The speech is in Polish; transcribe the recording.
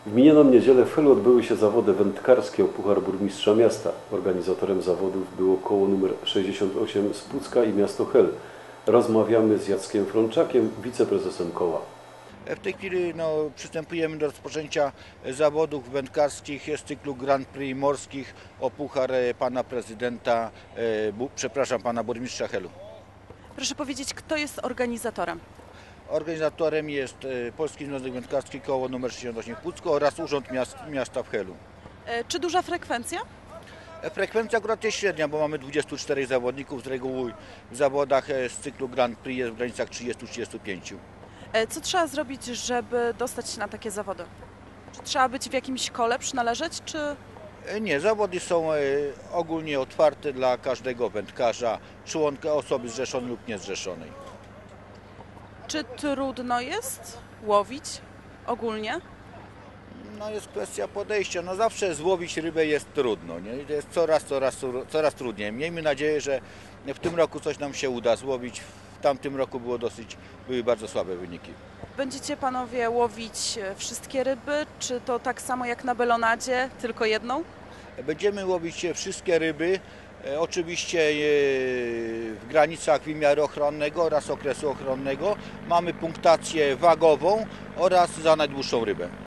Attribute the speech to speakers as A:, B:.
A: W minioną niedzielę w Helu odbyły się zawody wędkarskie o Puchar Burmistrza Miasta. Organizatorem zawodów było koło nr 68 z Pucka i miasto Hel. Rozmawiamy z Jackiem Frączakiem, wiceprezesem koła.
B: W tej chwili przystępujemy do rozpoczęcia zawodów wędkarskich z cyklu Grand Prix morskich o Puchar pana prezydenta, pana burmistrza Helu.
C: Proszę powiedzieć, kto jest organizatorem?
B: Organizatorem jest Polski Związek Wędkarski koło nr 68 w Pucku oraz Urząd Miasta w Helu.
C: Czy duża frekwencja?
B: Frekwencja akurat jest średnia, bo mamy 24 zawodników, z reguły w zawodach z cyklu Grand Prix jest w granicach 30-35.
C: Co trzeba zrobić, żeby dostać się na takie zawody? Czy trzeba być w jakimś kole, przynależeć, czy...
B: Nie, zawody są ogólnie otwarte dla każdego wędkarza, członka osoby zrzeszonej lub niezrzeszonej.
C: Czy trudno jest łowić ogólnie?
B: Jest kwestia podejścia. Zawsze złowić rybę jest trudno, nie? I to jest coraz trudniej. Miejmy nadzieję, że w tym roku coś nam się uda złowić. W tamtym roku były bardzo słabe wyniki.
C: Będziecie panowie łowić wszystkie ryby, czy to tak samo jak na belonadzie, tylko jedną?
B: Będziemy łowić wszystkie ryby, oczywiście w granicach wymiaru ochronnego oraz okresu ochronnego. Mamy punktację wagową oraz za najdłuższą rybę.